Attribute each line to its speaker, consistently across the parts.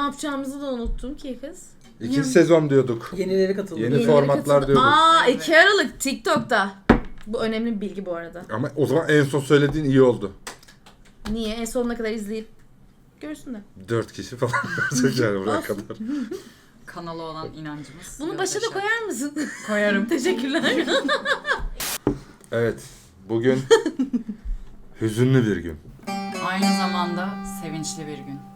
Speaker 1: yapacağımızı da unuttum ki kız.
Speaker 2: İkinci sezon diyorduk.
Speaker 3: Yenileri katıldı.
Speaker 2: Yeni formatlar diyorduk.
Speaker 1: 2 Aralık TikTok'ta. Bu önemli bir bilgi bu arada.
Speaker 2: Ama o zaman en son söylediğin iyi oldu.
Speaker 1: Niye? En sonuna kadar izleyip görsünler.
Speaker 2: 4 kişi falan görecek yani buraya kadar.
Speaker 4: Kanalı olan inancımız.
Speaker 1: Bunu başa da
Speaker 4: yaşar.
Speaker 1: koyar mısın?
Speaker 4: Koyarım.
Speaker 1: Teşekkürler.
Speaker 2: Evet. Bugün hüzünlü bir gün.
Speaker 4: Aynı zamanda sevinçli bir gün.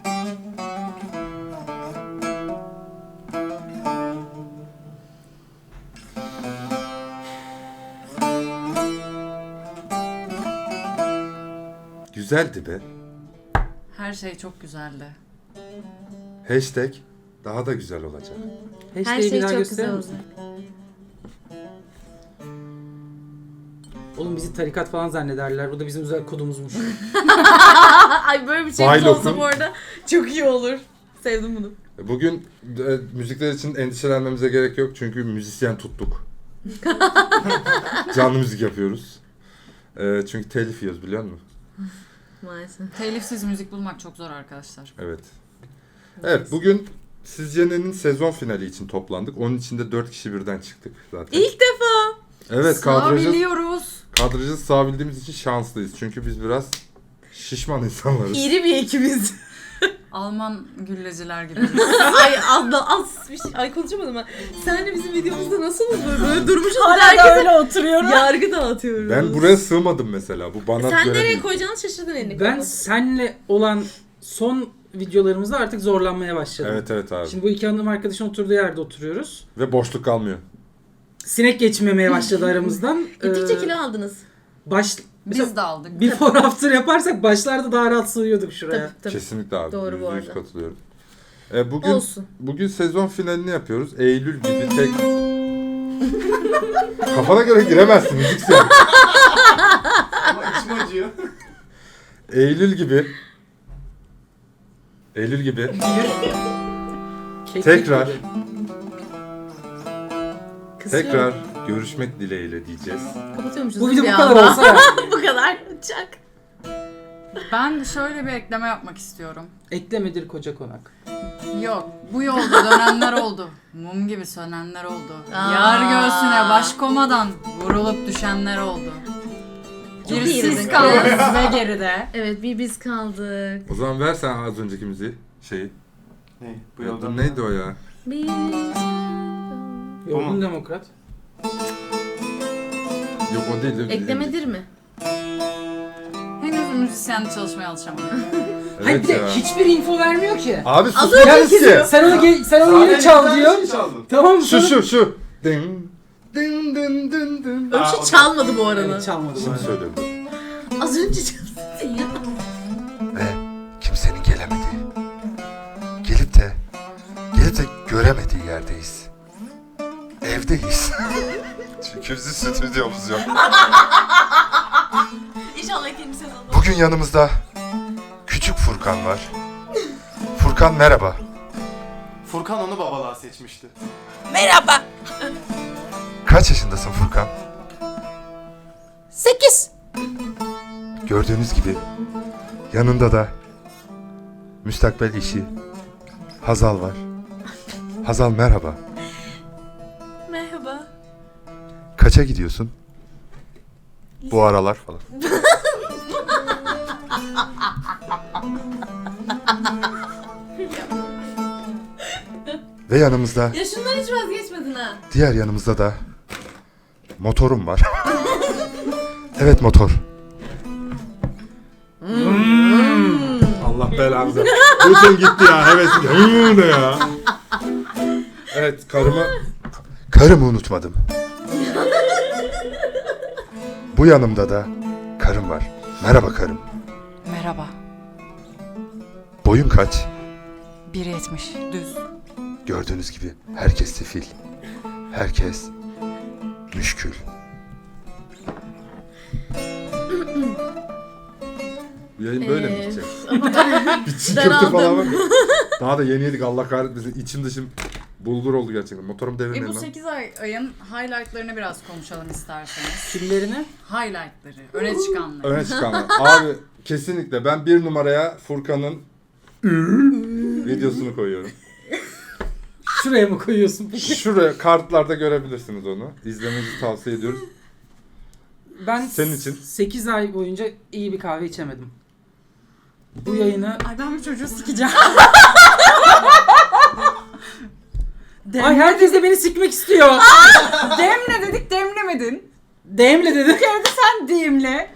Speaker 2: Güzeldi be.
Speaker 4: Her şey çok güzeldi.
Speaker 2: Hashtag daha da güzel olacak.
Speaker 1: Her
Speaker 3: Hashtag'i
Speaker 1: şey
Speaker 3: bir daha
Speaker 1: çok
Speaker 3: gösterir
Speaker 1: güzel
Speaker 3: misin?
Speaker 1: olacak.
Speaker 3: Oğlum bizi tarikat falan zannederler. Bu da bizim özel kodumuzmuş.
Speaker 1: Ay böyle bir şey
Speaker 2: Baylok'un-
Speaker 1: olsa bu arada çok iyi olur. Sevdim bunu.
Speaker 2: Bugün müzikler için endişelenmemize gerek yok çünkü müzisyen tuttuk. Canlı müzik yapıyoruz. Çünkü telif yiyoruz biliyor musun?
Speaker 1: Maalesef.
Speaker 4: Telifsiz müzik bulmak çok zor arkadaşlar.
Speaker 2: Evet. Evet bugün Sizce'nin sezon finali için toplandık. Onun içinde 4 kişi birden çıktık zaten.
Speaker 1: İlk defa.
Speaker 2: Evet
Speaker 4: Sığabiliyoruz.
Speaker 2: kadrajı sığabildiğimiz için şanslıyız. Çünkü biz biraz şişman insanlarız.
Speaker 1: İri bir ekibiz.
Speaker 4: Alman gülleciler gibi.
Speaker 1: Ay az bir şey. Ay konuşamadım ben. Senle bizim videomuzda nasılız böyle durmuşuz.
Speaker 4: Hala da öyle oturuyorum.
Speaker 1: Yargı dağıtıyoruz.
Speaker 2: Ben buraya sığmadım mesela. Bu bana
Speaker 1: Sen
Speaker 2: göre
Speaker 1: nereye
Speaker 2: değil.
Speaker 1: koyacağını şaşırdın elini.
Speaker 3: Ben senle olan son videolarımızda artık zorlanmaya başladım.
Speaker 2: Evet abi.
Speaker 3: Şimdi bu iki hanım arkadaşın oturduğu yerde oturuyoruz.
Speaker 2: Ve boşluk kalmıyor.
Speaker 3: Sinek geçmemeye başladı aramızdan.
Speaker 1: Gittikçe kilo aldınız.
Speaker 4: Biz de aldık.
Speaker 3: Before after yaparsak başlarda daha rahat sığıyorduk şuraya.
Speaker 1: Tabii.
Speaker 2: Kesinlikle abi.
Speaker 1: Doğru bu
Speaker 2: %100
Speaker 1: arada.
Speaker 2: katılıyorum. Bugün
Speaker 1: Olsun.
Speaker 2: Bugün sezon finalini yapıyoruz. Eylül gibi tek... Kafana göre giremezsin müzisyen.
Speaker 5: Ama içim acıyor.
Speaker 2: Eylül gibi
Speaker 3: Kek
Speaker 2: Tekrar.
Speaker 3: gibi.
Speaker 2: tekrar görüşmek dileğiyle diyeceğiz.
Speaker 1: Kapatıyormuşuz.
Speaker 3: Bu video bu
Speaker 1: bir
Speaker 3: kadar
Speaker 1: anda.
Speaker 3: olsa ya.
Speaker 1: Bu kadar. Çak.
Speaker 4: Ben şöyle bir ekleme yapmak istiyorum.
Speaker 3: Eklemedir koca konak.
Speaker 4: Yok, bu yolda dönenler oldu. Mum gibi sönenler oldu.
Speaker 1: Aa.
Speaker 4: Yar göğsüne baş komadan vurulup düşenler oldu.
Speaker 1: Çok iyi
Speaker 4: Gerisiz
Speaker 1: dedin.
Speaker 4: kaldınız ve geride.
Speaker 1: Evet bir biz kaldık.
Speaker 2: O zaman ver sen az önceki müziği. Şeyi.
Speaker 5: Ne? Bu yoldan
Speaker 2: Neydi o ya?
Speaker 1: Biz
Speaker 3: Yorgun
Speaker 5: mu?
Speaker 3: demokrat.
Speaker 2: Yok o değil.
Speaker 1: Eklemedir mi?
Speaker 4: Henüz müzisyen çalışmaya alışamadım.
Speaker 3: Hayır
Speaker 2: Evet
Speaker 3: bir de
Speaker 2: ya.
Speaker 3: hiçbir info vermiyor ki.
Speaker 2: Abi
Speaker 1: Az
Speaker 2: susmayız
Speaker 1: önceki
Speaker 2: ki.
Speaker 3: Sen onu yine çal diyor.
Speaker 5: Şey çaldın.
Speaker 3: Tamam mı?
Speaker 2: Şu. Dın dın dın dın dın.
Speaker 1: Öyle bir
Speaker 5: Aa,
Speaker 1: şey
Speaker 5: o da-
Speaker 1: çalmadı bu arada.
Speaker 3: Evet, çalmadım.
Speaker 2: Şimdi söylüyorum.
Speaker 1: Az önce çalmadın ya.
Speaker 2: Ve kimsenin gelip de göremediği yerdeyiz. Evdeyiz. Çünkü bizim stüdyomuz yok.
Speaker 1: İnşallah ikinci sezonda.
Speaker 2: Bugün yanımızda küçük Furkan var. Furkan merhaba.
Speaker 5: Furkan onu babalığa seçmişti.
Speaker 2: Kaç yaşındasın Furkan?
Speaker 1: 8.
Speaker 2: Gördüğünüz gibi yanında da müstakbel eşi Hazal var. Hazal merhaba.
Speaker 1: Merhaba.
Speaker 2: Kaça gidiyorsun? Bu aralar falan. Ve yanımızda,
Speaker 1: Ya şundan hiç vazgeçmedin ha.
Speaker 2: diğer yanımızda da motorum var. Evet motor. Allah belanızı. Bütün gitti ya hevesim. Ne ya? Evet karımı unutmadım. Bu yanımda da karım var. Merhaba karım.
Speaker 4: Merhaba.
Speaker 2: Boyun kaç?
Speaker 4: 1.70 düz.
Speaker 2: Gördüğünüz gibi herkes sefil. Herkes müşkül. Yayın böyle mi gidecek? Bir çiğ
Speaker 1: Ben
Speaker 2: köfte
Speaker 1: aldım.
Speaker 2: falan var. Daha da yeni yedik Allah kahretmesin. İçim dışım bulgur oldu gerçekten. Motorum devirmeyin
Speaker 4: Bu
Speaker 2: lan.
Speaker 4: 8 ayın highlightlarını biraz konuşalım isterseniz.
Speaker 3: Kimlerini?
Speaker 4: Highlightları, öne çıkanları.
Speaker 2: Öne çıkanlar. Abi kesinlikle ben bir numaraya Furkan'ın videosunu koyuyorum.
Speaker 3: Şuraya mı koyuyorsun peki?
Speaker 2: Şuraya kartlarda görebilirsiniz onu. İzlemenizi tavsiye ediyoruz.
Speaker 3: Ben
Speaker 2: Senin için.
Speaker 3: 8 ay boyunca iyi bir kahve içemedim. Bu yayını...
Speaker 4: Ay ben bu çocuğu sikeceğim.
Speaker 3: Ay herkes de beni sikmek istiyor.
Speaker 4: Demle dedik demlemedin.
Speaker 3: Demle dedim.
Speaker 4: Sen demle.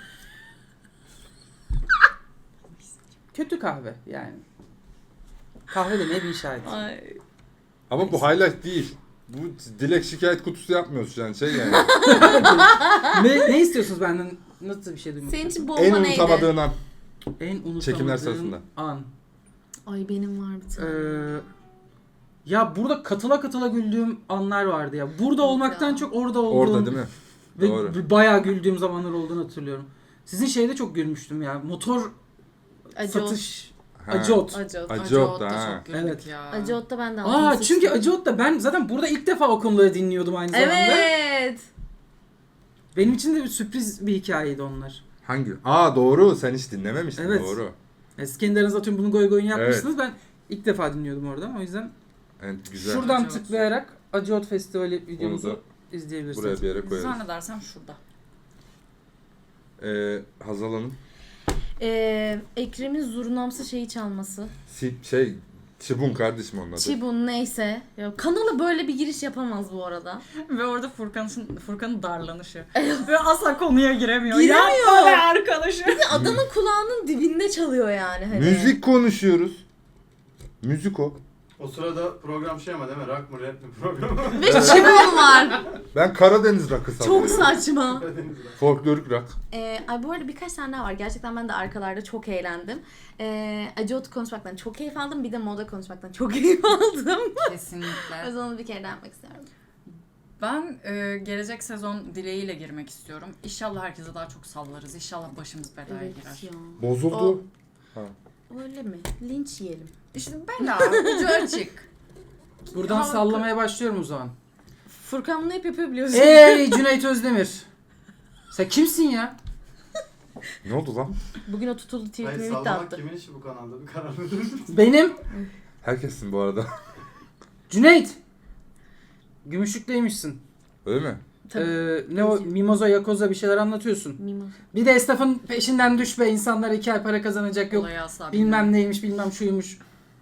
Speaker 3: Kötü kahve yani. Kahve demeye bir işaret.
Speaker 1: Ay.
Speaker 2: Ama bu highlight değil. Bu dilek şikayet kutusu yapmıyoruz yani şey yani.
Speaker 3: ne istiyorsunuz benden? Nasıl bir şey duymak
Speaker 1: Senin için
Speaker 3: istiyorsun?
Speaker 1: bomba
Speaker 2: En
Speaker 1: neydi?
Speaker 2: unutamadığın an.
Speaker 3: En unutamadığım
Speaker 2: Çekimler sırasında.
Speaker 3: an.
Speaker 1: Ay benim var bir tane.
Speaker 3: Ya burada katıla güldüğüm anlar vardı ya. Burada olmaktan
Speaker 1: ya.
Speaker 3: çok orada olduğum.
Speaker 2: Orada değil mi?
Speaker 3: Ve
Speaker 2: Doğru.
Speaker 3: bayağı güldüğüm zamanlar olduğunu hatırlıyorum. Sizin şeyde çok gülmüştüm ya. Motor satış.
Speaker 2: Ha.
Speaker 3: Acı ot.
Speaker 1: Acı ot.
Speaker 2: Acı ot da ha.
Speaker 4: çok güldük
Speaker 3: Evet.
Speaker 4: ya.
Speaker 1: Acı otta ben de
Speaker 3: Aa çünkü Acı Ot'ta ben zaten burada ilk defa o konuları dinliyordum aynı zamanda.
Speaker 1: Evet.
Speaker 3: Benim için de bir sürpriz bir hikayeydi onlar.
Speaker 2: Hangi? Aa doğru. Sen hiç dinlememiştin.
Speaker 3: Evet.
Speaker 2: Doğru.
Speaker 3: Siz kendi aranızda atıyorum bunu goy goyunu yapmışsınız. Ben ilk defa dinliyordum orada. O yüzden
Speaker 2: Evet, güzel.
Speaker 3: şuradan
Speaker 4: Acı Ot.
Speaker 3: tıklayarak Acı Ot Festivali
Speaker 2: Onu da
Speaker 3: videomuzu izleyebilirsiniz.
Speaker 2: buraya bir yere koyarız.
Speaker 4: Zannedersem şurada.
Speaker 2: Hazal Hanım.
Speaker 1: Ekrem'in zurnamsı şeyi çalması.
Speaker 2: Çibun kardeşim onun adı.
Speaker 1: Çibun neyse. Ya, kanala böyle bir giriş yapamaz bu arada.
Speaker 4: Ve orada Furkan'ın darlanışı. Ve asla konuya giremiyor.
Speaker 1: Giremiyor.
Speaker 4: Yapma be arkadaşım.
Speaker 1: Adamın kulağının dibinde çalıyor yani. Hani.
Speaker 2: Müzik konuşuyoruz. Müzik o.
Speaker 5: O sırada program şey ama değil mi? Rock mı rap mi programı?
Speaker 1: Ve çibun var.
Speaker 2: Ben Karadeniz rock'ı
Speaker 1: Çok
Speaker 2: sallıyorum.
Speaker 1: saçma.
Speaker 2: Folklorik rock.
Speaker 1: Ay bu arada birkaç tane daha var. Gerçekten ben de arkalarda çok eğlendim. Acı Ot konuşmaktan çok keyif aldım. Bir de moda konuşmaktan çok keyif aldım. O
Speaker 4: Kesinlikle.
Speaker 1: yüzden onu bir kere daha yapmak istiyorum.
Speaker 4: Ben gelecek sezon dileğiyle girmek istiyorum. İnşallah herkese daha çok sallarız. İnşallah başımız belaya girer.
Speaker 1: ya.
Speaker 2: Bozuldu.
Speaker 1: Öyle mi? Linç yiyelim.
Speaker 4: İşte bela, ucu açık.
Speaker 3: Buradan
Speaker 4: Ya,
Speaker 3: sallamaya başlıyorum o zaman.
Speaker 1: Furkan bunu hep yapıyor biliyorsun.
Speaker 3: Ey Cüneyt Özdemir. Sen kimsin ya?
Speaker 2: Ne oldu lan?
Speaker 1: Bugün o tutuldu
Speaker 5: Hayır
Speaker 1: tweetimi bitti
Speaker 5: sallamak
Speaker 1: attı.
Speaker 5: kimin işi bu kanalda? Bir karar verin.
Speaker 3: Benim
Speaker 2: Herkessin bu arada.
Speaker 3: Cüneyt. Gümüşlükteymişsin.
Speaker 2: Öyle mi?
Speaker 3: Ne o Mimoza Yakoza bir şeyler anlatıyorsun.
Speaker 1: Mimoz.
Speaker 3: Bir de esnafın peşinden düş be, insanlar 2 ay para kazanacak, yok
Speaker 4: Olayı asla
Speaker 3: bilmem neymiş bilmem şuymuş.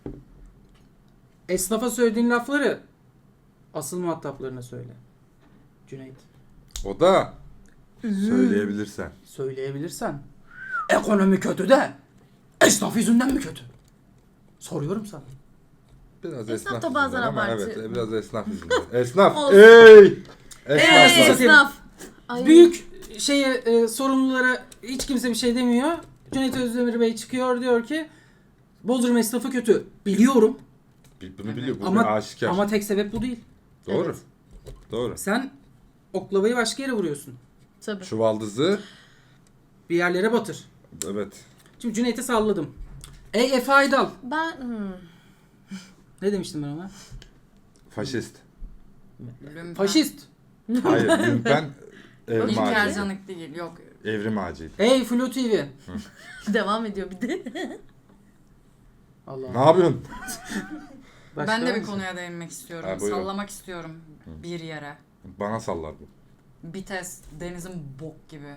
Speaker 3: Esnafa söylediğin lafları asıl muhataplarına söyle. Cüneyt.
Speaker 2: O da söyleyebilirsen.
Speaker 3: Söyleyebilirsen. Ekonomi kötü de esnaf yüzünden mi kötü? Soruyorum sana.
Speaker 2: Biraz
Speaker 1: Esnaf
Speaker 2: esnaf
Speaker 1: da bazen
Speaker 2: yüzünden ama
Speaker 1: abartı.
Speaker 2: evet biraz esnaf yüzünden. Esnaf.
Speaker 1: Olsun.
Speaker 2: Ey! Esnaf.
Speaker 3: Ey!
Speaker 1: Esnaf. Ay.
Speaker 3: Büyük sorumlulara hiç kimse bir şey demiyor. Cüneyt Özdemir Bey çıkıyor, diyor ki Bodrum esnafı kötü. Biliyorum
Speaker 2: Bunu biliyor. Bu
Speaker 3: ama
Speaker 2: bir aşikar.
Speaker 3: ama tek sebep bu değil.
Speaker 2: Doğru.
Speaker 1: Evet.
Speaker 2: Doğru.
Speaker 3: Sen oklavayı başka yere vuruyorsun.
Speaker 1: Tabii.
Speaker 2: Çuvaldızı.
Speaker 3: Bir yerlere batır.
Speaker 2: Evet.
Speaker 3: Şimdi Cüneyt'e salladım. Ey Efe Aydal. Ne demiştim ben ona?
Speaker 2: Faşist.
Speaker 3: Faşist.
Speaker 2: Hayır. Ben evrim
Speaker 4: İlker
Speaker 2: ağacıydı.
Speaker 4: Canık değil, yok.
Speaker 2: Evrim ağacıydı.
Speaker 3: Ey Flu TV.
Speaker 1: Devam ediyor bir de.
Speaker 3: Allah.
Speaker 2: Ne yapıyorsun?
Speaker 3: Başka
Speaker 4: Ben de
Speaker 3: var
Speaker 4: bir
Speaker 3: mısın?
Speaker 4: konuya değinmek istiyorum.
Speaker 2: Ha, buyurun.
Speaker 4: Sallamak istiyorum bir yere.
Speaker 2: Bana sallar bu.
Speaker 4: Bites denizin bok gibi.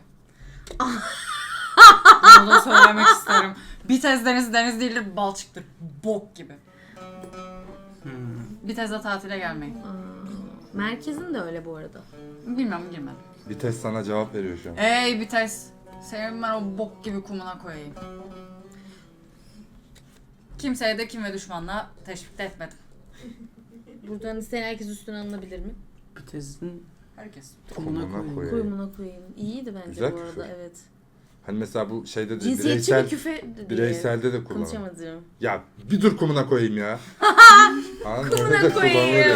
Speaker 4: Bunu da söylemek isterim. Bites deniz değildir, balçıktır. Bok gibi. Bites'e tatile gelmeyin.
Speaker 1: Merkezin de öyle bu arada.
Speaker 4: Bilmem, girmem.
Speaker 2: Bir test sana cevap veriyor şu an.
Speaker 4: Ey Bites, senin ben o bok gibi kumuna koyayım. Kimseye de kim ve düşmanla teşvik de etmedim.
Speaker 1: Buradan isteyen herkes üstüne alınabilir mi?
Speaker 3: Bir tezin
Speaker 4: Herkes.
Speaker 3: kumuna
Speaker 2: Kumuna
Speaker 3: koyayım.
Speaker 2: koyayım.
Speaker 1: Kuyumuna koyayım. İyiydi bence
Speaker 2: Güzel
Speaker 1: bu arada
Speaker 2: küfür.
Speaker 1: evet.
Speaker 2: Hani mesela bu şeyde de
Speaker 1: Cinsiyetçi
Speaker 2: bireysel,
Speaker 1: bir küfe diye.
Speaker 2: bireyselde de kullanılır.
Speaker 1: Konuşamadım.
Speaker 2: Ya bir dur kumuna koyayım ya. Kumuna
Speaker 1: Kumuna koyayım.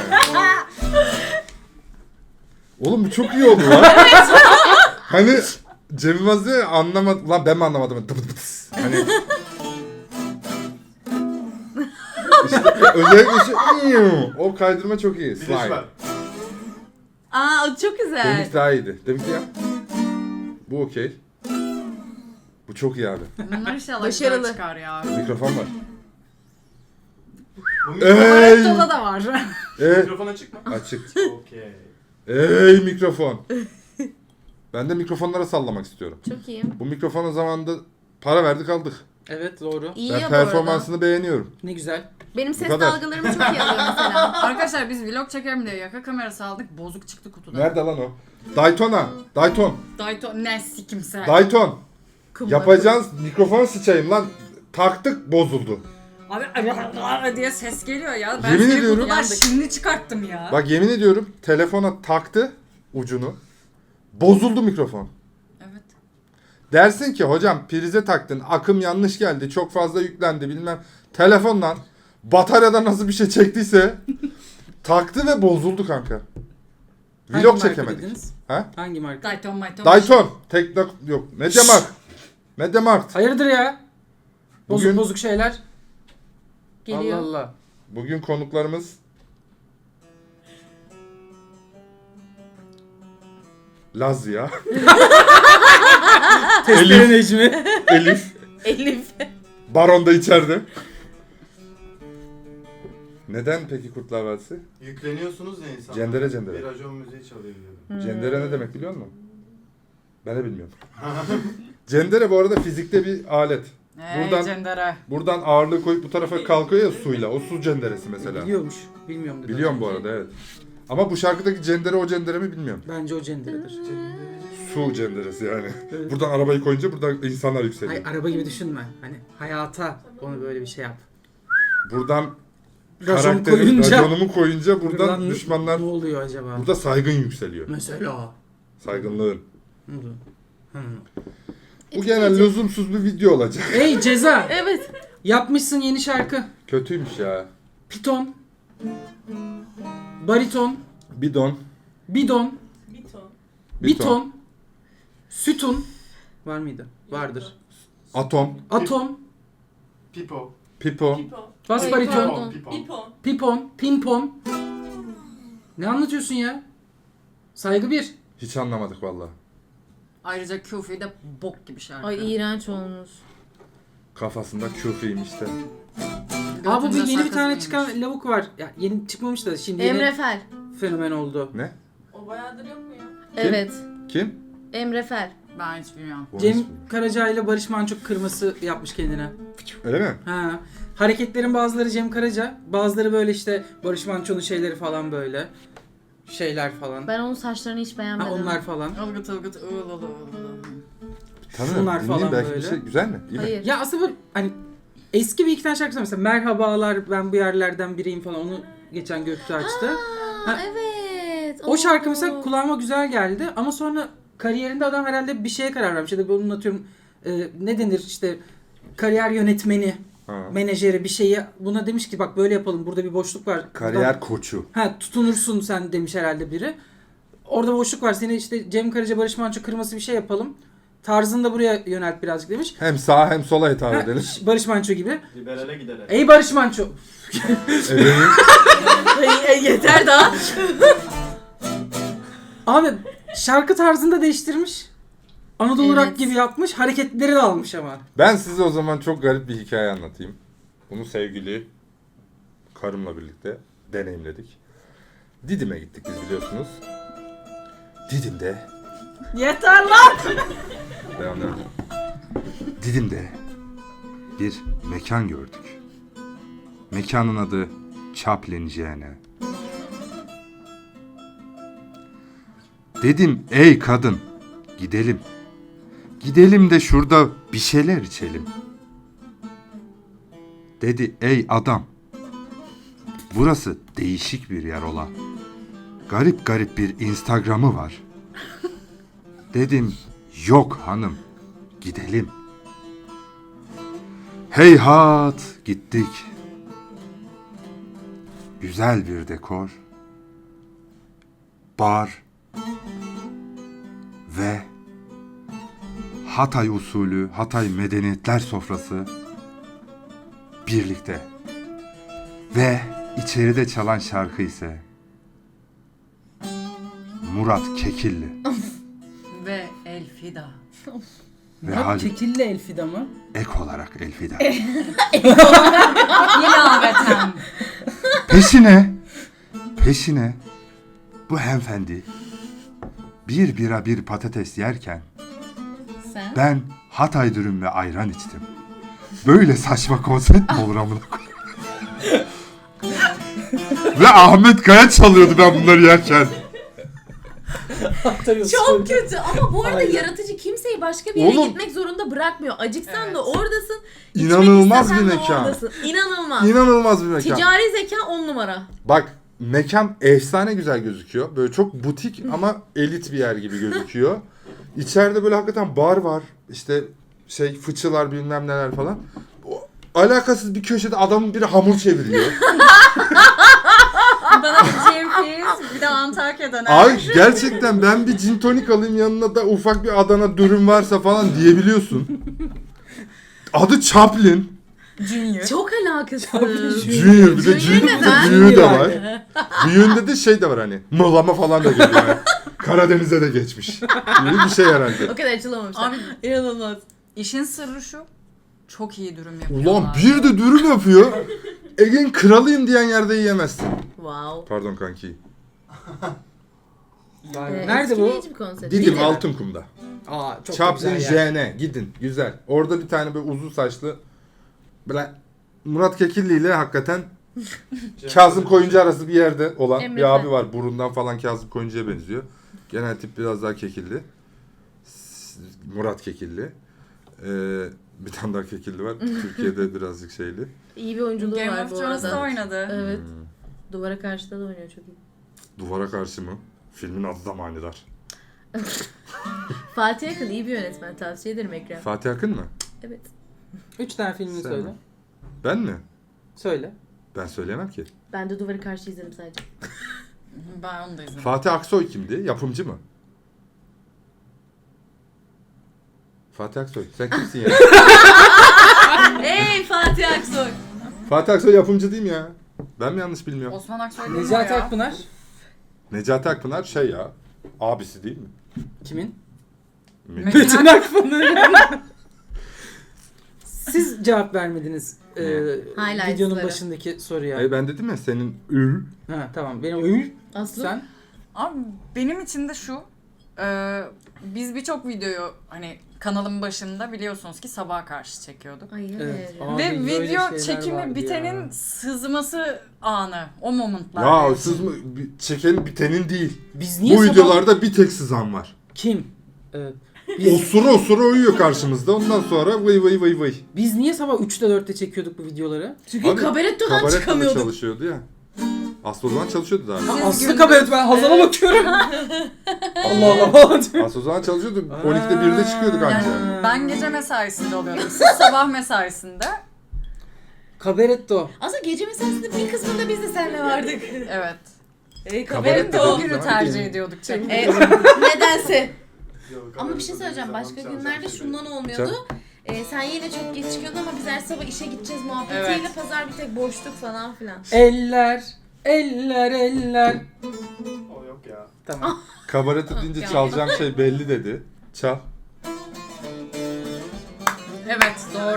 Speaker 2: Oğlum bu çok iyi oldu lan. Hani Cem Yılmaz diyor ya, anlamadım. Lan ben mi anlamadım? Hani işte özellikle o kaydırma çok iyi.
Speaker 5: Bir de şu var.
Speaker 2: Slime.
Speaker 1: Aa o çok güzel.
Speaker 2: Deminki daha iyiydi. Deminki ya. Bu okey. Bu çok iyi abi.
Speaker 4: Bunlar inşallah
Speaker 1: Başarılı.
Speaker 4: güzel çıkar ya.
Speaker 2: Mikrofon var.
Speaker 5: Bu
Speaker 2: Ey!
Speaker 4: Toda da var.
Speaker 5: mikrofon açık mı?
Speaker 2: Açık.
Speaker 5: Okey.
Speaker 2: Ey mikrofon. Ben de mikrofonlara sallamak istiyorum.
Speaker 1: Çok iyiyim.
Speaker 2: Bu mikrofona zamanında para verdik aldık.
Speaker 3: Evet doğru.
Speaker 1: İyi
Speaker 2: Ben
Speaker 1: ya bu arada.
Speaker 2: performansını beğeniyorum.
Speaker 3: Ne güzel.
Speaker 1: Benim ses
Speaker 2: kadar.
Speaker 1: dalgalarımı çok iyi alıyor mesela.
Speaker 4: Arkadaşlar biz vlog çekelim diye yaka kamerası aldık. Bozuk çıktı kutudan.
Speaker 2: Nerede lan o? Daytona. Dayton.
Speaker 4: Dayton ne sikimse.
Speaker 2: Dayton.
Speaker 1: Kumla.
Speaker 2: Yapacağınız mikrofonu sıçayım lan. Taktık bozuldu.
Speaker 4: Abi diye ses geliyor ya. Ben
Speaker 2: Yemin
Speaker 4: seni
Speaker 2: ediyorum.
Speaker 4: kutudan şimdi çıkarttım ya.
Speaker 2: Bak yemin ediyorum telefona taktı ucunu. Bozuldu mikrofon.
Speaker 4: Evet.
Speaker 2: Dersin ki hocam prize taktın, akım yanlış geldi, çok fazla yüklendi bilmem. Telefondan bataryadan nasıl bir şey çektiyse taktı ve bozuldu kanka.
Speaker 3: Hangi
Speaker 2: Vlog
Speaker 3: marka
Speaker 2: çekemedik.
Speaker 3: dediniz?
Speaker 2: Ha?
Speaker 3: Hangi marka?
Speaker 4: Dayton Mayton.
Speaker 2: Dayton. Tekno yok. Mediamarkt. Mediamarkt.
Speaker 3: Hayırdır ya? Bozuk
Speaker 2: Bugün-
Speaker 3: bozuk şeyler.
Speaker 1: Geliyor.
Speaker 3: Allah Allah.
Speaker 2: Bugün konuklarımız Lazya,
Speaker 3: Testere Necmi.
Speaker 2: Elif,
Speaker 1: Elif.
Speaker 2: Baron da içeride. Neden peki Kurtlar Vadisi?
Speaker 5: Yükleniyorsunuz ya insanlar.
Speaker 2: Cendere cendere.
Speaker 5: Bir racon müziği çalıyor diyorum.
Speaker 2: Cendere ne demek biliyor musun? Ben de bilmiyorum. Cendere bu arada fizikte bir alet.
Speaker 4: Hey
Speaker 2: Buradan-
Speaker 4: Cendere.
Speaker 2: Buradan ağırlığı koyup bu tarafa kalkıyor ya suyla. O su cenderesi mesela.
Speaker 3: Biliyormuş. Bilmiyorum dedi.
Speaker 2: Biliyorum bu arada evet. Ama bu şarkıdaki cendere o cendere mi bilmiyorum.
Speaker 3: Bence o cenderedir.
Speaker 2: Su cenderesi yani.
Speaker 3: Evet.
Speaker 2: Buradan arabayı koyunca buradan insanlar yükseliyor.
Speaker 3: Hayır araba gibi düşünme. Hani hayata onu böyle bir şey yap.
Speaker 2: Buradan
Speaker 3: Racon
Speaker 2: karakterim,
Speaker 3: koyunca.
Speaker 2: raconumu koyunca buradan
Speaker 3: Buradan
Speaker 2: düşmanlar,
Speaker 3: Ne oluyor acaba?
Speaker 2: burada saygın yükseliyor.
Speaker 3: Mesela.
Speaker 2: Saygınlığın.
Speaker 3: Ne oluyor? Hı.
Speaker 2: Bu genel lüzumsuz bir video olacak.
Speaker 3: Ey Ceza.
Speaker 1: Evet.
Speaker 3: Yapmışsın yeni şarkı.
Speaker 2: Kötüymüş ya.
Speaker 3: Piton. Bariton.
Speaker 2: Bidon.
Speaker 3: Bidon.
Speaker 2: Biton.
Speaker 3: Biton. Sütun. Var mıydı? Vardır.
Speaker 2: Atom.
Speaker 3: Atom.
Speaker 5: Pipo.
Speaker 2: Pipo.
Speaker 3: Bas
Speaker 1: Ay,
Speaker 3: bariton.
Speaker 1: pardon.
Speaker 5: Pipo.
Speaker 3: Pipon. Pimpon. Ne anlatıyorsun ya? Saygı bir.
Speaker 2: Hiç anlamadık valla.
Speaker 4: Ayrıca Kufi de bok gibi şarkı.
Speaker 1: Ay iğrenç olmuş.
Speaker 2: Kafasında küfreymiş de.
Speaker 3: Aa bu bir
Speaker 4: Götünde
Speaker 3: yeni bir
Speaker 4: sakız
Speaker 3: tane
Speaker 4: mıymış?
Speaker 3: çıkan lavuk var. Ya yeni çıkmamış da şimdi yeni
Speaker 1: Emre Fel.
Speaker 3: fenomen oldu.
Speaker 2: Ne?
Speaker 6: O bayağıdır yok mu ya?
Speaker 1: Evet.
Speaker 2: Kim?
Speaker 1: Emre Fel.
Speaker 4: Ben hiç bilmiyorum.
Speaker 2: Bu
Speaker 3: Cem
Speaker 2: ismi.
Speaker 3: Karaca ile Barış Manço kırması yapmış kendine.
Speaker 2: Öyle mi?
Speaker 3: Ha. Hareketlerin bazıları Cem Karaca, bazıları böyle işte Barış Manço'nun şeyleri falan böyle. Şeyler falan.
Speaker 1: Ben onun saçlarını hiç
Speaker 3: Ha,
Speaker 1: beğenmedim.
Speaker 3: onlar falan.
Speaker 4: Ilgıt ılgıt ığıl ığıl ığıl.
Speaker 2: Tanıyorum.
Speaker 3: Şunlar
Speaker 2: Dinleyeyim,
Speaker 3: falan
Speaker 2: belki
Speaker 3: böyle.
Speaker 2: bir şey güzel mi? İyi mi?
Speaker 1: Hayır.
Speaker 3: Ya aslında böyle hani eski bir iki tane şarkısı var mesela Merhabalar ben bu yerlerden biriyim falan onu geçen Göktuğ açtı.
Speaker 1: Aa,
Speaker 3: Ha.
Speaker 1: evet.
Speaker 3: O şarkı
Speaker 1: Oo.
Speaker 3: mesela kulağıma güzel geldi ama sonra kariyerinde adam herhalde bir şeye karar vermiş. Ya da bunun atıyorum ne denir işte kariyer yönetmeni,
Speaker 2: Ha.
Speaker 3: menajeri bir şeyi buna demiş ki bak böyle yapalım burada bir boşluk var.
Speaker 2: Kariyer koçu.
Speaker 3: Ha tutunursun sen demiş herhalde biri. Orada boşluk var seni işte Cem Karaca Barış Manço kırması bir şey yapalım. Tarzını da buraya yönelt birazcık demiş.
Speaker 2: Hem sağa hem sola hitap
Speaker 3: Ha,
Speaker 2: edelim.
Speaker 3: Barış Manço gibi.
Speaker 5: Liberale giderek.
Speaker 3: Ey Barış Manço.
Speaker 2: Ebeğin.
Speaker 1: Yeter daha.
Speaker 3: Abi şarkı tarzını da değiştirmiş. Anadolu
Speaker 1: Evet.
Speaker 3: rock gibi yapmış. Hareketleri de almış ama.
Speaker 2: Ben size o zaman çok garip bir hikaye anlatayım. Bunu sevgili karımla birlikte deneyimledik. Didim'e gittik biz biliyorsunuz. Didim'de
Speaker 4: Yeter lan!
Speaker 2: devam edelim. Didim'de bir mekan gördük. Mekanın adı Chaplin J.N. Dedim ey kadın gidelim. Gidelim de şurada bir şeyler içelim. Dedi ey adam. Burası değişik bir yer ola. Garip garip bir Instagram'ı var. Dedim yok hanım gidelim. Heyhat gittik. Güzel bir dekor. Bar. Ve Hatay usulü, Hatay medeniyetler sofrası birlikte. Ve içeride çalan şarkı ise Murat Kekilli.
Speaker 4: Ve Elfida.
Speaker 2: Ve
Speaker 3: Murat
Speaker 2: Haluk
Speaker 3: Kekilli Elfida mı?
Speaker 2: ek olarak Elfida.
Speaker 4: İlaveten.
Speaker 2: Peşine bu hanımefendi bir bira bir patates yerken
Speaker 1: Sen?
Speaker 2: ben Hatay dürüm ve ayran içtim. Böyle saçma konsept mi olur amına koyayım? Ve Ahmet Kaya çalıyordu ben bunları yerken.
Speaker 1: Çok kötü ama bu arada
Speaker 3: Aynen.
Speaker 1: yaratıcı kimseyi başka bir yere
Speaker 2: Oğlum.
Speaker 1: gitmek zorunda bırakmıyor. Acıksan
Speaker 4: Evet.
Speaker 1: da oradasın. içmek
Speaker 2: İnanılmaz
Speaker 1: istesen
Speaker 2: bir
Speaker 1: de
Speaker 2: mekan.
Speaker 1: oradasın. İnanılmaz.
Speaker 2: İnanılmaz bir mekan.
Speaker 1: Ticari zeka 10 numara.
Speaker 2: Bak mekan efsane güzel gözüküyor. Böyle çok butik ama elit bir yer gibi gözüküyor. İçeride böyle hakikaten bar var. İşte fıçılar bilmem neler falan. Alakasız bir köşede adamın biri hamur çeviriyor.
Speaker 4: Bana bir Cem Filiz, bir de Antakya'dan.
Speaker 2: Ay gerçekten ben bir gin tonik alayım yanına da ufak bir Adana dürüm varsa falan diyebiliyorsun. Adı Chaplin.
Speaker 4: Junior.
Speaker 1: Çok alakasız.
Speaker 2: Junior bir de
Speaker 1: Junior neden?
Speaker 2: büyüğü de var. Büyüğünde de şey de var hani mıhlama falan da geliyor. Yani. Karadeniz'e de geçmiş. Gibi bir şey herhalde.
Speaker 1: O kadar açılamamışlar.
Speaker 4: Abi
Speaker 1: İnanılmaz.
Speaker 4: işin sırrı şu. Çok iyi dürüm yapıyorlar.
Speaker 2: Ulan bir de dürüm yapıyor. Ege'nin kralıyım diyen yerde yiyemezsin.
Speaker 1: Wow.
Speaker 2: Pardon kanki.
Speaker 3: Nerede bu?
Speaker 1: Etkileyici bir konsept.
Speaker 2: Didim Altınkum'da.
Speaker 3: Aa çok
Speaker 2: Chaplin
Speaker 3: güzel yer.
Speaker 2: JN gidin güzel. Orada bir tane böyle uzun saçlı böyle Murat Kekilli ile hakikaten Kazım Koyuncu arası bir yerde olan
Speaker 1: Emre
Speaker 2: bir
Speaker 1: Fel.
Speaker 2: abi var. Burundan falan Kazım Koyuncu'ya benziyor. Genel tip biraz daha Kekilli. Murat Kekilli. Bir tane daha Kekilli var. Türkiye'de birazcık şeyli.
Speaker 1: İyi bir oyunculuğu
Speaker 4: Game
Speaker 1: var
Speaker 4: of
Speaker 1: bu
Speaker 4: Thrones'ta
Speaker 1: arada.
Speaker 4: oynadı.
Speaker 1: Evet. Duvara karşıda da oynuyor çok iyi.
Speaker 2: Duvara karşı mı? Filmin adı da manidar.
Speaker 1: Fatih Akın iyi bir yönetmen. Tavsiye ederim Ekrem.
Speaker 2: Fatih Akın mı?
Speaker 1: Evet.
Speaker 3: 3 tane filmini
Speaker 2: Sen
Speaker 3: söyle.
Speaker 2: mi? Ben mi?
Speaker 3: Söyle.
Speaker 2: Ben söyleyemem ki.
Speaker 1: Ben de Duvarı Karşı izledim sadece.
Speaker 4: Ben onu da izledim.
Speaker 2: Fatih Aksoy kimdi? Yapımcı mı? Fatih Aksoy. Sen kimsin ya?
Speaker 1: Hey Fatih Aksoy.
Speaker 2: Fatih Aksoy yapımcı değil mi ya? Ben mi yanlış bilmiyorum?
Speaker 4: Osman Aksoy değil mi o
Speaker 3: Necati
Speaker 4: ya?
Speaker 3: Akpınar.
Speaker 2: Necati Akpınar şey ya. Abisi değil mi?
Speaker 3: Kimin?
Speaker 2: Metin.
Speaker 3: Metin Akpınar. Siz cevap vermediniz
Speaker 1: Highlights'ları.
Speaker 3: videonun başındaki soruya.
Speaker 2: Ben dedim ya senin ül.
Speaker 3: Ha tamam. Benim öyle.
Speaker 1: Aslı.
Speaker 3: Sen?
Speaker 4: Abi benim için de şu. Biz birçok videoyu hani kanalın başında biliyorsunuz ki sabaha karşı çekiyorduk.
Speaker 1: Ay
Speaker 3: Evet.
Speaker 1: evet.
Speaker 3: Abi,
Speaker 4: Ve
Speaker 3: böyle
Speaker 4: video
Speaker 3: şeyler
Speaker 4: çekimi
Speaker 3: vardı
Speaker 4: bitenin
Speaker 3: ya.
Speaker 4: sızması anı. O momentlar.
Speaker 2: Ya
Speaker 4: benim
Speaker 2: sız
Speaker 4: için.
Speaker 2: mı? Çekenin bitenin değil.
Speaker 3: Biz niye
Speaker 2: Bu
Speaker 3: sabah-
Speaker 2: videolarda bir tek sızan var.
Speaker 3: Kim?
Speaker 2: Osura uyuyor karşımızda. Ondan sonra vıy vıy vıy vıy.
Speaker 3: Biz niye sabah 3'te 4'te çekiyorduk bu videoları?
Speaker 1: Çünkü
Speaker 2: Abi,
Speaker 1: kabarettodan
Speaker 2: Kabaretto'da
Speaker 1: çıkamıyorduk.
Speaker 2: çalışıyordu ya. Aslı o zaman çalışıyordu daha.
Speaker 3: Ha,
Speaker 4: Siz
Speaker 3: Aslı
Speaker 4: gündüz-
Speaker 3: kabaret, ben Hazal'a bakıyorum. Allah Allah.
Speaker 2: Aslı o zaman çalışıyordu. 12'de 1'de çıkıyorduk anca.
Speaker 4: Yani ben gece mesaisinde oluyordum. Siz sabah mesaisinde.
Speaker 3: Kabaretto.
Speaker 1: Aslında gece mesaisinde bir kısmında biz de seninle vardık.
Speaker 4: Evet.
Speaker 2: Kabaretto
Speaker 4: O
Speaker 2: dediğin
Speaker 4: günü
Speaker 2: zaman
Speaker 4: tercih
Speaker 2: benim-
Speaker 4: ediyorduk çekmeyi.
Speaker 1: Nedense.
Speaker 5: Yok,
Speaker 1: Ama bir şey söyleyeceğim. Başka günlerde şundan olmuyordu. Sen yine çok geç çıkıyordun ama biz her sabah işe gideceğiz muhabbetiyle
Speaker 4: Evet.
Speaker 1: pazar bir tek boşluk falan filan.
Speaker 3: Eller. Eller.
Speaker 5: O yok ya.
Speaker 3: Tamam.
Speaker 2: Kabaretto deyince
Speaker 1: Ya.
Speaker 2: çalacağım şey belli dedi. Çal.
Speaker 4: Evet doğru.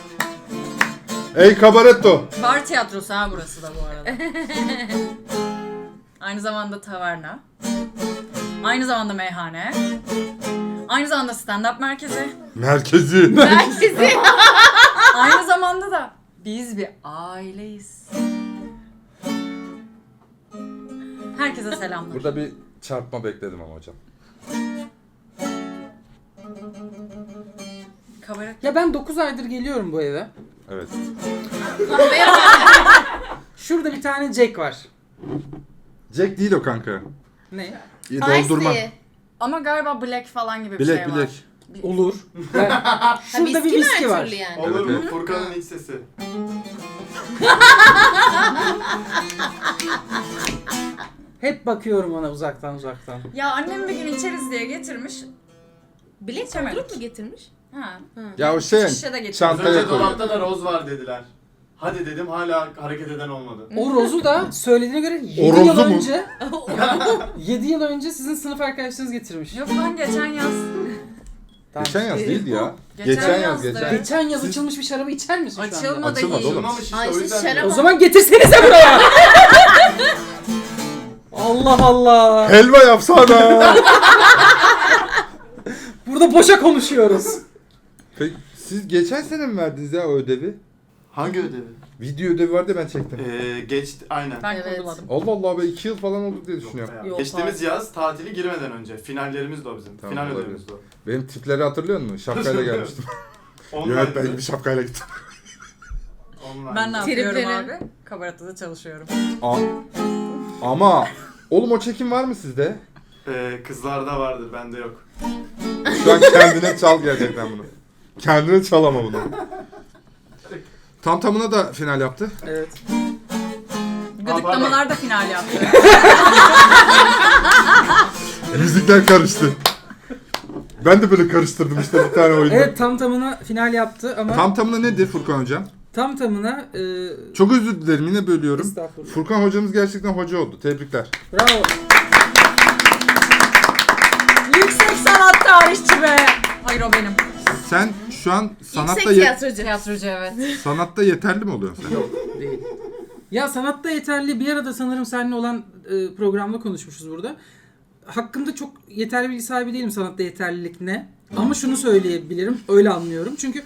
Speaker 2: Ey Kabaretto!
Speaker 4: Bar tiyatrosu ha burası da bu arada. Aynı zamanda taverna. Aynı zamanda meyhane. Aynı zamanda stand-up merkezi.
Speaker 2: Merkezi.
Speaker 1: Merkezi.
Speaker 4: Aynı zamanda da biz bir aileyiz. Herkese selamlar.
Speaker 2: Burada bir çarpma bekledim ama hocam.
Speaker 4: Kabaret.
Speaker 3: Ya ben 9 aydır geliyorum bu eve.
Speaker 2: Evet.
Speaker 3: Şurada bir tane Jack var.
Speaker 2: Jack değil o kanka.
Speaker 3: Ne?
Speaker 2: Doldurma.
Speaker 1: Ice
Speaker 4: Ama galiba black falan gibi bir
Speaker 2: Bilek
Speaker 4: şey var.
Speaker 2: bilek.
Speaker 3: Olur. Şurada bir viski var.
Speaker 1: Yani.
Speaker 5: Olur
Speaker 2: Evet,
Speaker 5: mu?
Speaker 2: evet.
Speaker 5: Furkan'ın iç sesi.
Speaker 3: Hep bakıyorum ona uzaktan.
Speaker 4: Ya annem bir gün içeriz diye getirmiş.
Speaker 1: Bilek
Speaker 4: İçemedik.
Speaker 1: doldurup mu getirmiş?
Speaker 4: Ha.
Speaker 2: Ya o şey
Speaker 4: Şişe de getirmiş.
Speaker 5: Az
Speaker 2: çantaya
Speaker 5: önce
Speaker 2: koyuyor.
Speaker 5: dolapta da roz var dediler. Hadi dedim hala hareket eden olmadı.
Speaker 3: O Roz'u da söylediğine göre 7
Speaker 2: Roz'u
Speaker 3: yıl
Speaker 2: mu?
Speaker 3: önce 7 yıl önce sizin sınıf arkadaşlarınız getirmiş.
Speaker 4: Yok lan geçen yaz.
Speaker 3: Tamam.
Speaker 2: Geçen yaz değildi ya.
Speaker 4: Geçen
Speaker 2: Geçen yaz
Speaker 4: yazdı.
Speaker 2: geçen.
Speaker 3: Geçen yaz
Speaker 2: Siz-
Speaker 3: açılmış bir şarabı içer misin şu anda?
Speaker 4: Açılmadı
Speaker 2: Açılmadı
Speaker 4: iyi.
Speaker 2: oğlum.
Speaker 5: Açılmamış işte
Speaker 1: Ay
Speaker 5: o
Speaker 1: siz
Speaker 5: yüzden.
Speaker 1: şarap-
Speaker 3: O zaman getirsenize buraya. Allah Allah.
Speaker 2: Helva yapsana.
Speaker 3: Burada boşa konuşuyoruz.
Speaker 2: Peki siz geçen sene mi verdiniz ya o ödevi?
Speaker 5: Hangi ödevi?
Speaker 2: Video ödevi vardı ben çektim.
Speaker 5: Geçti aynen.
Speaker 4: Ben
Speaker 1: Evet.
Speaker 4: kurguladım.
Speaker 2: Allah Allah be 2 yıl falan oldu diye düşünüyorum.
Speaker 5: Ya,
Speaker 1: Yok,
Speaker 5: geçtiğimiz yaz tatili girmeden önce. Finallerimiz de o bizim.
Speaker 2: Tamam,
Speaker 5: Final
Speaker 2: olabilir.
Speaker 5: ödevimiz de o.
Speaker 2: Benim tipleri hatırlıyor musun? Şapkayla gelmiştim.
Speaker 5: Online
Speaker 2: Evet ben
Speaker 5: ödevi.
Speaker 2: bir şapkayla gittim.
Speaker 5: Online.
Speaker 4: Ben ne yapıyorum
Speaker 1: Tripleri.
Speaker 4: abi? Kabaratıda çalışıyorum.
Speaker 2: Ama oğlum o çekim var mı sizde?
Speaker 5: Kızlarda vardır, bende yok.
Speaker 2: Şu an kendine çal gerçekten bunu. Kendine çal ama bunu. Tam tamına da final yaptı.
Speaker 3: Evet.
Speaker 4: Gıdıklamalar da final yaptı.
Speaker 2: Müzikler karıştı. Ben de böyle karıştırdım işte bir tane oyunda.
Speaker 3: Evet tam tamına final yaptı ama
Speaker 2: Tam tamına nedir Furkan hocam?
Speaker 3: tam tamına
Speaker 2: Çok özür dilerim yine bölüyorum.
Speaker 3: estağfurullah.
Speaker 2: Furkan hocamız gerçekten hoca oldu. Tebrikler.
Speaker 3: Bravo.
Speaker 4: Yüksek sanat tarihçi be. Hayır o benim.
Speaker 2: Sen şu an sanatta
Speaker 1: Yüksek tiyatrocu.
Speaker 4: Tiyatrocu evet.
Speaker 2: sanatta yeterli mi oluyorsun sen?
Speaker 3: Yok değil. Ya sanatta yeterli bir arada sanırım seninle olan programda konuşmuşuz burada. Hakkımda çok yeterli bilgi sahibi değilim sanatta yeterlilik ne. Ama şunu söyleyebilirim. Öyle anlıyorum. Çünkü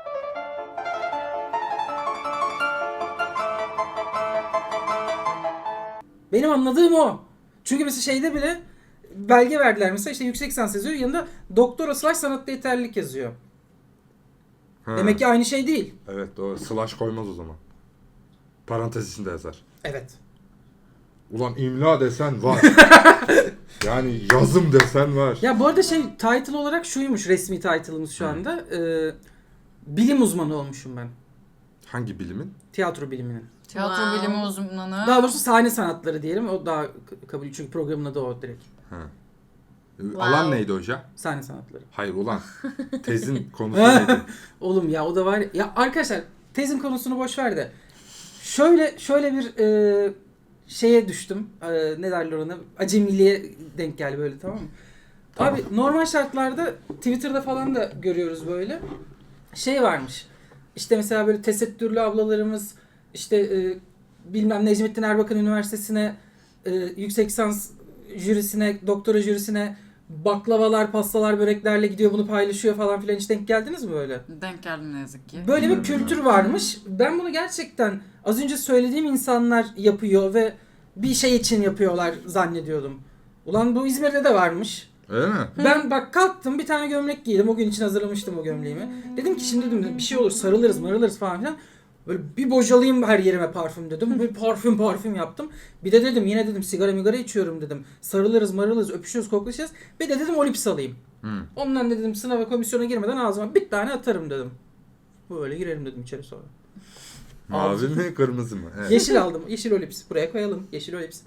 Speaker 3: benim anladığım o. Çünkü mesela şeyde bile belge verdiler mesela işte yüksek lisans yazıyor yanında doktora slash sanatta yeterlilik yazıyor.
Speaker 2: Ha,
Speaker 3: Demek ki aynı şey değil.
Speaker 2: Evet doğru. Slash koymaz o zaman. Parantez içinde yazar.
Speaker 3: Evet.
Speaker 2: Ulan imla desen var. Yani yazım desen var.
Speaker 3: Ya bu arada şey title olarak şuymuş resmi title'ımız şu anda. Bilim uzmanı olmuşum ben.
Speaker 2: Hangi bilimin?
Speaker 3: Tiyatro biliminin.
Speaker 4: Tiyatro
Speaker 1: Wow.
Speaker 4: bilimi uzmanı.
Speaker 3: Daha doğrusu sahne sanatları diyelim. O daha kabul çünkü programın adı o direkt.
Speaker 2: Ha.
Speaker 1: Wow.
Speaker 2: Alan neydi hoca?
Speaker 3: Sahne sanatları.
Speaker 2: Hayır ulan. Tezin konusu neydi?
Speaker 3: Oğlum ya o da var. Ya arkadaşlar tezin konusunu boş ver de. Şöyle bir şeye düştüm. Ne derler ona? Acemiliğe denk geldi böyle tamam mı?
Speaker 2: Tamam.
Speaker 3: Abi normal şartlarda Twitter'da falan da görüyoruz böyle. Şey varmış. İşte mesela böyle tesettürlü ablalarımız işte bilmem Necmettin Erbakan Üniversitesi'ne yüksek lisans jürisine, doktora jürisine baklavalar, pastalar, böreklerle gidiyor bunu paylaşıyor falan filan hiç denk geldiniz mi böyle?
Speaker 4: Denk geldim ne yazık ki.
Speaker 3: Böyle bir kültür varmış. Ben bunu gerçekten az önce söylediğim insanlar yapıyor ve bir şey için yapıyorlar zannediyordum. Ulan bu İzmir'de de varmış.
Speaker 2: Öyle mi?
Speaker 3: Ben bak kalktım bir tane gömlek giydim. O gün için hazırlamıştım o gömleğimi. Dedim ki şimdi dedim bir şey olur sarılırız marılırız falan filan. Böyle bir bocalayayım her yerime parfüm dedim. Böyle parfüm yaptım. Bir de dedim yine dedim sigara içiyorum dedim. Sarılırız marılırız öpüşürüz koklaşacağız. Bir de dedim Olips alayım. Ondan dedim sınava komisyona girmeden ağzıma bir tane atarım dedim. Böyle girelim dedim içeri sonra.
Speaker 2: Mavi mi kırmızı mı? Evet.
Speaker 3: Yeşil aldım. Yeşil Olips. Buraya koyalım. Yeşil Olips.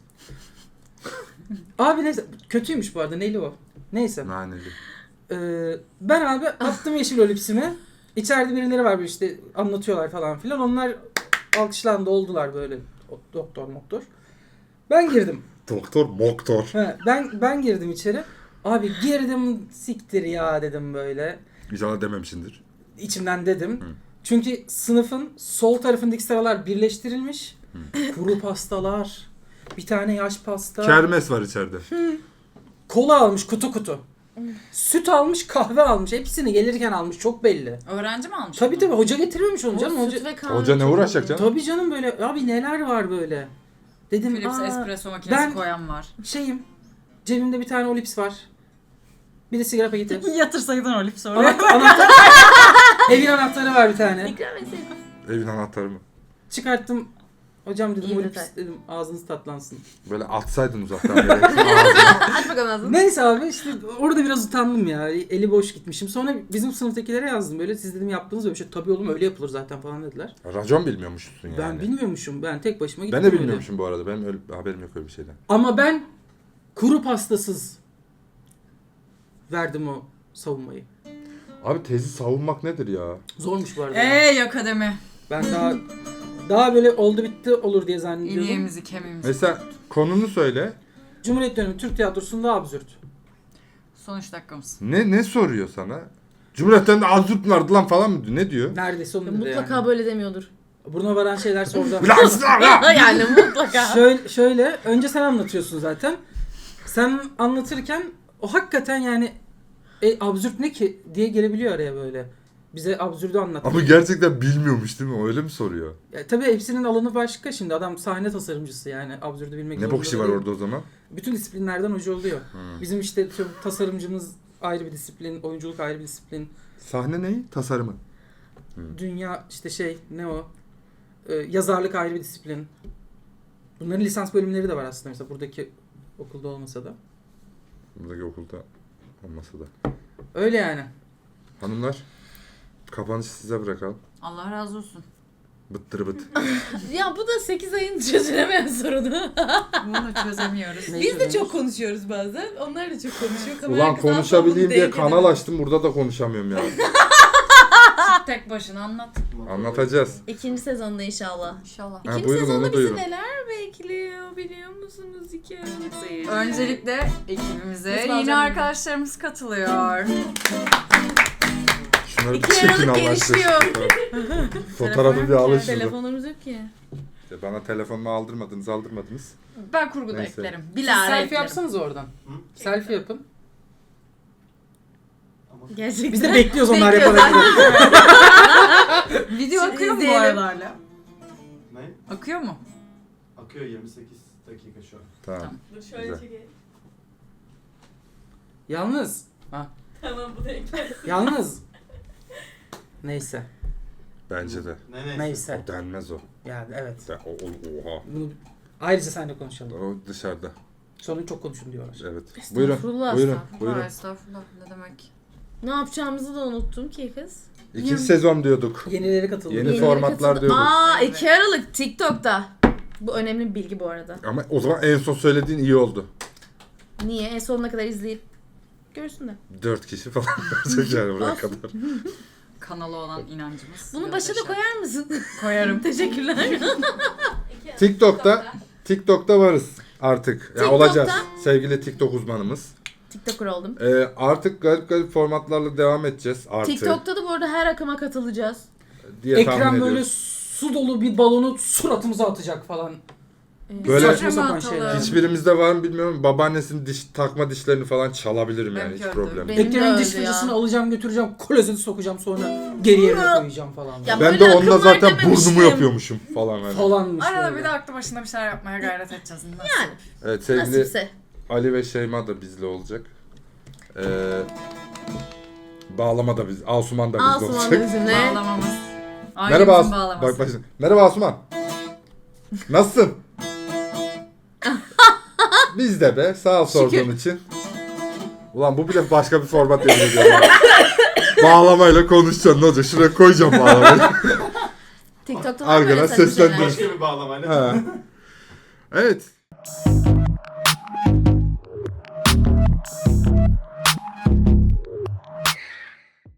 Speaker 3: Abi neyse. Kötüymüş bu arada. Neyli o? Neyse.
Speaker 2: Naneli.
Speaker 3: Ben abi attım Yeşil Olips'imi. İçeride birileri var böyle işte anlatıyorlar falan filan. Onlar alkışlandı oldular böyle. Doktor. Ben girdim.
Speaker 2: Doktor moktor.
Speaker 3: He, ben girdim içeri. Abi girdim siktir ya dedim böyle.
Speaker 2: İnşallah dememişsindir.
Speaker 3: İçimden dedim. Çünkü sınıfın sol tarafındaki sıralar birleştirilmiş. Kuru pastalar, bir tane yaş pasta,
Speaker 2: Kermes var içeride.
Speaker 3: kola almış kutu. Süt almış, kahve almış. Hepsini gelirken almış. Çok belli.
Speaker 4: Öğrenci mi almış?
Speaker 3: Tabii
Speaker 4: bunu?
Speaker 3: tabii hoca getirmemiş onu canım.
Speaker 1: Süt ve kahve
Speaker 2: Hoca ne
Speaker 1: çok
Speaker 2: uğraşacak
Speaker 1: iyi.
Speaker 2: canım?
Speaker 3: Tabii canım böyle. Abi neler var böyle. Dedim
Speaker 4: Philips
Speaker 3: aa,
Speaker 4: espresso makinesi
Speaker 3: ben-
Speaker 4: koyan var.
Speaker 3: şeyim. Cebimde bir tane Olips var. Bir de sigara paketi.
Speaker 4: Yatırsaydın Olip sonra.
Speaker 3: Anahtar. Evin anahtarı var bir tane.
Speaker 1: İkram etseydin.
Speaker 2: Evin anahtarı mı?
Speaker 3: Çıkarttım. Hocam dedim
Speaker 1: İyi
Speaker 3: Olips
Speaker 1: detay.
Speaker 3: dedim ağzınız tatlansın.
Speaker 2: Böyle atsaydın uzaktan böyle. Ağzına.
Speaker 1: Aç bakalım ağzını.
Speaker 3: Neyse abi işte orada biraz utandım ya. Eli boş gitmişim. Sonra bizim sınıftakilere yazdım böyle. Siz dedim yaptınız böyle bir şey. Tabii oğlum öyle yapılır zaten falan dediler.
Speaker 2: Racon bilmiyormuşsun yani.
Speaker 3: Ben bilmiyormuşum. Ben tek başıma gittim
Speaker 2: Ben de
Speaker 3: öyle.
Speaker 2: bilmiyormuşum bu arada. Benim öyle haberim yok öyle bir şeyden.
Speaker 3: Ama ben kuru pastasız verdim o savunmayı.
Speaker 2: Abi tezi savunmak nedir ya?
Speaker 3: Zormuş bu arada.
Speaker 4: Ey akademi.
Speaker 3: Ben daha böyle oldu bitti olur diye zannediyordum.
Speaker 4: İliğimizi kemiğimizi.
Speaker 2: Mesela konunu söyle.
Speaker 3: Cumhuriyet dönemi Türk tiyatrosunda absürt.
Speaker 4: Son 3 dakikamız.
Speaker 2: Ne soruyor sana? Cumhuriyet'ten de azırt vardı lan falan mı diyor? Ne diyor?
Speaker 3: Neredeyse onu dedi
Speaker 1: Mutlaka
Speaker 3: yani.
Speaker 1: böyle demiyordur.
Speaker 3: Burnuma varan şeyler sordu.
Speaker 1: Yani mutlaka.
Speaker 3: Şöyle önce sen anlatıyorsun zaten. Sen anlatırken o hakikaten yani absürt ne ki diye gelebiliyor araya böyle. Bize absürdü anlat.
Speaker 2: Ama gerçekten bilmiyormuş değil mi? Öyle mi soruyor?
Speaker 3: Tabii hepsinin alanı başka şimdi. Adam sahne tasarımcısı yani absürdü bilmek
Speaker 2: Ne bok işi var
Speaker 3: değil.
Speaker 2: orada o zaman?
Speaker 3: Bütün disiplinlerden hoca oluyor. Bizim işte tasarımcımız ayrı bir disiplin, oyunculuk ayrı bir disiplin.
Speaker 2: Sahne neyi? Tasarımı.
Speaker 3: Dünya işte ne o? Yazarlık ayrı bir disiplin. Bunların lisans bölümleri de var aslında mesela buradaki okulda olmasa da.
Speaker 2: Buradaki okulda olmasa da.
Speaker 3: Öyle yani.
Speaker 2: Hanımlar, kapanışı size bırakalım.
Speaker 4: Allah razı olsun.
Speaker 2: Bıttır bıt.
Speaker 1: Ya bu da 8 ayın çözülemeyen sorunu.
Speaker 4: Bunu da çözemiyoruz.
Speaker 3: Ne
Speaker 1: Biz de
Speaker 3: çözüyoruz?
Speaker 1: çok konuşuyoruz bazen. Onlar da çok konuşuyor. Kamera
Speaker 2: Ulan
Speaker 1: arkasından
Speaker 2: konuşabileyim
Speaker 1: bunu
Speaker 2: diye
Speaker 1: denk
Speaker 2: kanal
Speaker 1: edemedim.
Speaker 2: açtım. Burada da konuşamıyorum ya.
Speaker 4: Tek başına anlat.
Speaker 2: Anlatacağız.
Speaker 1: İkinci sezonda inşallah.
Speaker 4: İnşallah.
Speaker 2: Ha,
Speaker 1: İkinci
Speaker 2: buyurun,
Speaker 1: sezonda
Speaker 2: onu
Speaker 1: bizi
Speaker 2: duyurun.
Speaker 1: neler bekliyor biliyor musunuz 2 Aralık seyirci?
Speaker 4: Öncelikle ekibimize
Speaker 1: Nasıl
Speaker 4: yeni
Speaker 1: alacağım
Speaker 4: arkadaşlarımız katılıyor.
Speaker 2: Şunları bir
Speaker 1: 2
Speaker 2: çekin
Speaker 1: Aralık
Speaker 2: Allah
Speaker 1: genişliyor.
Speaker 2: aşkına. Fotoğrafı bir alın şunu.
Speaker 1: Telefonumuz yok ki.
Speaker 2: İşte bana telefonumu aldırmadınız.
Speaker 4: Ben kurguda
Speaker 2: Neyse.
Speaker 4: eklerim.
Speaker 3: Siz
Speaker 4: Bilahare
Speaker 3: selfie
Speaker 4: eklerim.
Speaker 3: yapsanız oradan. Selfie yapın.
Speaker 1: Gerçekten.
Speaker 3: Biz de bekliyoruz onlar
Speaker 1: Bekliyoruz,
Speaker 3: yaparak.
Speaker 4: Video
Speaker 1: Şimdi
Speaker 4: akıyor mu bu
Speaker 1: izleyelim.
Speaker 4: arada hala?
Speaker 5: Ne?
Speaker 4: Akıyor mu?
Speaker 5: Akıyor 28 dakika şu an.
Speaker 2: Tamam.
Speaker 1: Dur şöyle
Speaker 2: Güzel.
Speaker 1: çekeyim.
Speaker 3: Yalnız.
Speaker 1: Tamam bu da ekler.
Speaker 3: Yalnız. Neyse.
Speaker 2: Bence de.
Speaker 3: Neyse.
Speaker 2: O denmez o.
Speaker 3: Yani evet.
Speaker 2: Oha.
Speaker 3: Bunu ayrıca seninle konuşalım.
Speaker 2: O dışarıda.
Speaker 3: Sonra çok konuşun diyorlar.
Speaker 2: Evet. Buyurun.
Speaker 1: Estağfurullah,
Speaker 2: Buyurun.
Speaker 1: estağfurullah.
Speaker 2: Buyurun.
Speaker 4: Estağfurullah ne demek.
Speaker 1: Ne yapacağımızı da unuttum ki kız.
Speaker 2: İkinci sezon diyorduk.
Speaker 3: Yenileri katıldı.
Speaker 2: Yeni formatlar diyorduk.
Speaker 1: Aa
Speaker 4: Evet.
Speaker 1: 2 Aralık TikTok'ta. Bu önemli bir bilgi bu arada.
Speaker 2: Ama o zaman en son söylediğin iyi oldu.
Speaker 1: Niye? En sonuna kadar izleyip görsünler.
Speaker 2: 4 kişi falan görecek yani buraya kadar.
Speaker 4: Kanalı olan inancımız.
Speaker 1: Bunu başa da koyar mısın?
Speaker 4: Koyarım.
Speaker 1: Teşekkürler.
Speaker 2: TikTok'ta varız artık. Ya
Speaker 1: TikTok'ta-
Speaker 2: olacağız. Sevgili TikTok uzmanımız.
Speaker 1: TikToker oldum.
Speaker 2: Artık garip formatlarla devam edeceğiz. Artı
Speaker 1: TikTok'ta da bu arada her akıma katılacağız.
Speaker 2: diye tahmin
Speaker 3: Ekrem böyle
Speaker 2: ediyoruz.
Speaker 3: su dolu bir balonu suratımıza atacak falan.
Speaker 2: Böyle-
Speaker 3: Saçma sapan şeyler.
Speaker 2: Hiçbirimizde var mı bilmiyorum. Babaannesinin takma dişlerini falan çalabilirim yani, hiç
Speaker 4: Benimki
Speaker 2: problem
Speaker 4: öldü.
Speaker 2: değil.
Speaker 1: Benim de
Speaker 3: Ekrem'in diş
Speaker 1: öyle ya.
Speaker 3: fırçasını alacağım götüreceğim klozete sokacağım sonra geri yerine koyacağım falan.
Speaker 1: Ya
Speaker 2: Ben
Speaker 1: böyle
Speaker 2: de onunla
Speaker 1: akım var
Speaker 2: zaten
Speaker 1: dememiştim.
Speaker 2: burnumu yapıyormuşum falan yani.
Speaker 3: Falanmış
Speaker 4: Arada
Speaker 3: böyle.
Speaker 4: bir de aklı başında bir şeyler yapmaya gayret edeceğiz. Nasıl?
Speaker 1: Yani
Speaker 2: Evet, sevgili
Speaker 1: nasipse.
Speaker 2: Ali ve Şeyma da bizle olacak. Bağlama da biz, Asuman da bizle
Speaker 1: Asuman
Speaker 2: olacak.
Speaker 1: da bizimle.
Speaker 4: Bağlamamız.
Speaker 2: Merhaba
Speaker 4: Ailemizin
Speaker 2: Asuman.
Speaker 4: bağlaması.
Speaker 2: Bak şimdi. Merhaba Asuman. Nasılsın? Biz de be. Sağ ol sorduğun için. Ulan bu bile başka bir format yemin ediyorum. ya. Bağlamayla konuşacaksın, ne olacak? Şuraya koyacağım bağlamayı.
Speaker 1: TikTok'ta var mı
Speaker 2: Arkadan
Speaker 1: böyle saçma şeyler?
Speaker 2: seslendir.
Speaker 5: Başka bir bağlamayla.
Speaker 2: Ha. Evet.